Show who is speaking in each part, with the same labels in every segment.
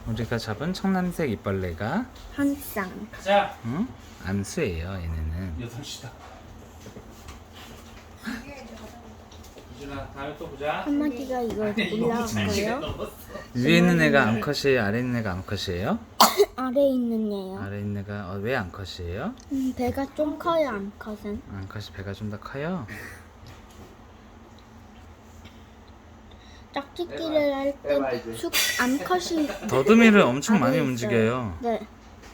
Speaker 1: 우리가 잡은 청남색 이빨레가
Speaker 2: 한 쌍.
Speaker 3: 자,
Speaker 1: 응? 암수예요. 얘네는
Speaker 3: 8시다. 유진아, 다음에 또 보자.
Speaker 2: 한 마리가 이거 올라왔고요.
Speaker 1: 위에 있는 애가 암컷이에요? 아래 있는 애가 암컷이에요?
Speaker 2: 아래 있는 얘요.
Speaker 1: 아래 있는 애가 왜 암컷이에요?
Speaker 2: 배가 좀 커요, 암컷은.
Speaker 1: 암컷이 배가 좀 더 커요?
Speaker 2: 짝짓기를 할 때 암컷이
Speaker 1: 더듬이를 엄청 많이
Speaker 2: 아래 있어요.
Speaker 1: 움직여요.
Speaker 2: 네.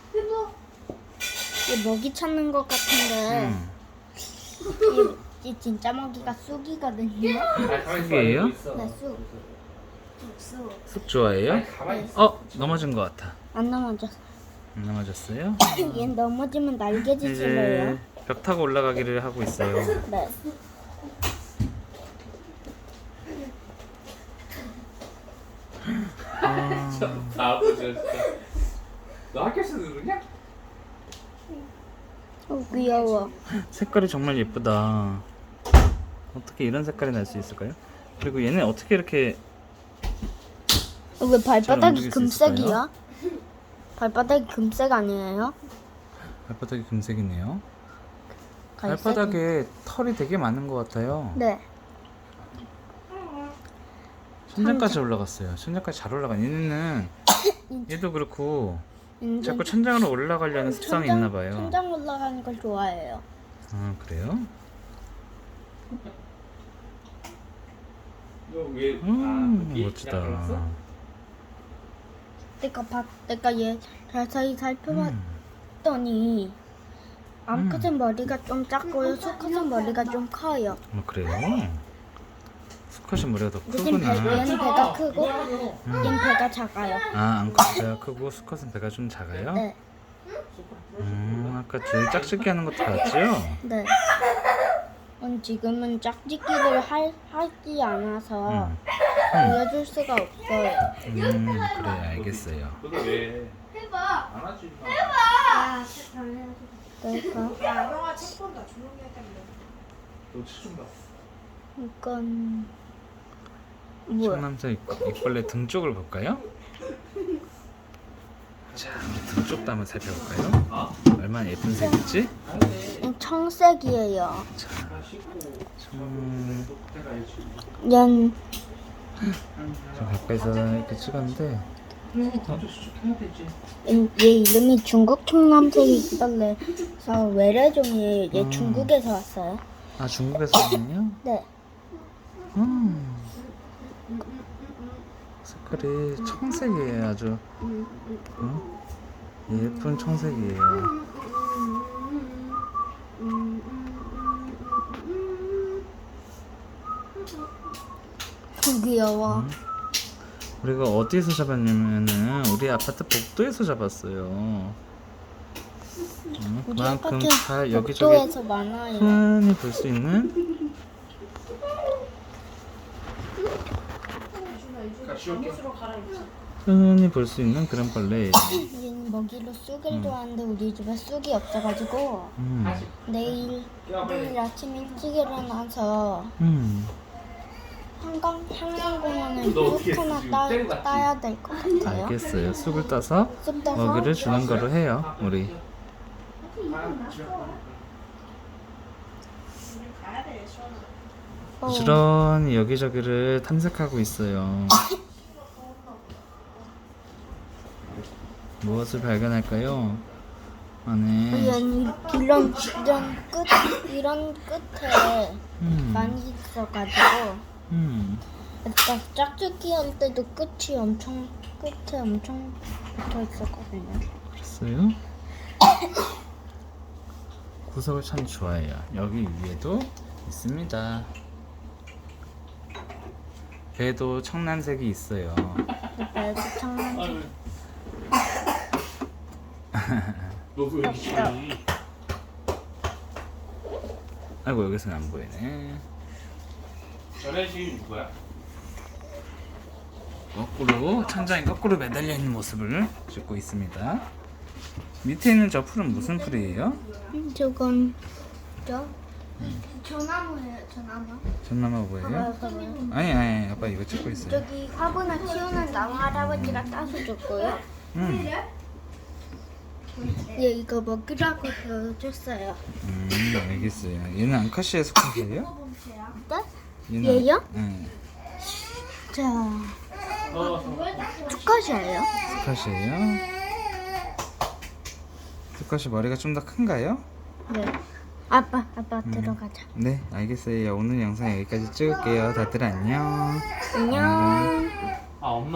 Speaker 2: 이게 먹이 찾는 것 같은데 이 진짜 먹이가 쑥이거든요.
Speaker 1: 쑥이에요?
Speaker 2: 네, 쑥.
Speaker 1: 쑥 좋아해요?
Speaker 2: 네.
Speaker 1: 넘어진 것 같아.
Speaker 2: 안 넘어졌어.
Speaker 1: 안 넘어졌어요?
Speaker 2: 얘 넘어지면 날개짓을래요.
Speaker 1: 이제 벽 타고 올라가기를 하고 있어요.
Speaker 2: 네.
Speaker 3: 바보 진짜. 너 학교에서 그러냐?
Speaker 2: 귀여워.
Speaker 1: 색깔이 정말 예쁘다. 어떻게 이런 색깔이 날 수 있을까요? 그리고 얘네 어떻게 이렇게
Speaker 2: 왜 발바닥이
Speaker 1: 움직일 수
Speaker 2: 금색이야? 발바닥이 금색 아니에요?
Speaker 1: 발바닥이 금색이네요.
Speaker 2: 갈색이.
Speaker 1: 발바닥에 털이 되게 많은 것 같아요.
Speaker 2: 네.
Speaker 1: 천장까지 올라갔어요. 천장까지 잘 올라간. 얘네는 얘도 그렇고
Speaker 2: 이제
Speaker 1: 자꾸 천장으로 올라가려는 습성이 있나 봐요.
Speaker 2: 천장 올라가는 걸 좋아해요.
Speaker 1: 아 그래요?
Speaker 3: 너왜
Speaker 1: 멋지다.
Speaker 2: 내가 얘 자세히 살펴봤더니 암컷은 머리가 좀 작고요. 수컷은 머리가 좀 커요.
Speaker 1: 그래요? 수컷이 머리가 더
Speaker 2: 얘는
Speaker 1: 크구나.
Speaker 2: 얘는 배가 크고 얘는 배가 작아요.
Speaker 1: 아 암컷 배가 크고 수컷은 배가 좀 작아요?
Speaker 2: 네.
Speaker 1: 아까 제일 짝짓기 하는 것도 봤죠?
Speaker 2: 네. 지금은 짝짓기를 하지 않아서 보여줄 수가 없어요.
Speaker 1: 그래 알겠어요.
Speaker 3: 너도 왜?
Speaker 4: 해봐.
Speaker 3: 안 하지?
Speaker 4: 야,
Speaker 2: 그러니까
Speaker 4: 야, 형아 책 본다. 조용히 했다며.
Speaker 3: 너체좀 봐.
Speaker 2: 이건 뭐야?
Speaker 1: 청남색 이빨레 등 쪽을 볼까요? 자 우리 등 쪽도 한번 살펴볼까요? 얼마나 예쁜 색이지?
Speaker 2: 청색이에요.
Speaker 1: 자
Speaker 2: 얘는
Speaker 1: 좀 가까이서 이렇게 찍었는데
Speaker 2: 얘 이름이 중국 청남색이 있길래서 외래종이에요. 얘 중국에서 왔어요.
Speaker 1: 아 중국에서 왔네요?
Speaker 2: 네.
Speaker 1: 색깔이 청색이에요 아주 예쁜 청색이에요.
Speaker 2: 귀여워.
Speaker 1: 우리가 어디서 잡았냐면은 우리 아파트 복도에서 잡았어요.
Speaker 2: 우리
Speaker 1: 그만큼
Speaker 2: 아파트
Speaker 1: 다 여기저기
Speaker 2: 복도에서 많아요.
Speaker 1: 흔히 볼 수 있는
Speaker 4: 잠옷으로 갈아입자.
Speaker 1: 흔히 볼 수 있는 그런 벌레예요.
Speaker 2: 얘는 먹이로 쑥을 좋아하는데 우리 집에 쑥이 없어가지고 내일 아침 일찍 일어나서 한강공원에 쑥 하나 따야 될 것 같아요.
Speaker 1: 알겠어요. 쑥을 따서
Speaker 2: 쑥 따서
Speaker 1: 먹이를 주는 거로 해요. 우리
Speaker 4: 가야 돼, 시원아.
Speaker 1: 부지런히 여기저기를 탐색하고 있어요. 무엇을 발견할까요? 안에
Speaker 2: 이런 끝에 많이 있어가지고 그러니까 짝짓기 할 때도 끝에 엄청 붙어 있었거든요.
Speaker 1: 그랬어요? 구석을 참 좋아해요. 여기 위에도 있습니다. 배도 청란색이 있어요.
Speaker 2: 그래서 청란색
Speaker 3: 너도 왜 이렇게 치니?
Speaker 1: 아이고 여기서는 안 보이네.
Speaker 3: 전에 지금 누구야?
Speaker 1: 거꾸로 천장에 거꾸로 매달려 있는 모습을 찍고 있습니다. 밑에 있는 저 풀은 무슨 풀이에요?
Speaker 2: 저건 전나무예요, 전나무.
Speaker 1: 전나무 뭐예요?
Speaker 2: 봐봐요.
Speaker 1: 아니 아빠 이거 찍고 있어요.
Speaker 2: 저기 화분을 키우는 나무 할아버지가 따서 줬고요. 얘 이거 먹이라고 줬어요.
Speaker 1: 알겠어요. 얘는 앙카시아 수컷이에요? 얘는
Speaker 2: 얘요?
Speaker 1: 네.
Speaker 2: 자, 수컷이에요.
Speaker 1: 수컷이에요? 수컷이 머리가 좀 더 큰가요?
Speaker 2: 네. 아빠 들어가자.
Speaker 1: 네, 알겠어요. 오늘 영상 여기까지 찍을게요. 다들 안녕.
Speaker 2: 안녕.
Speaker 3: 아 엄마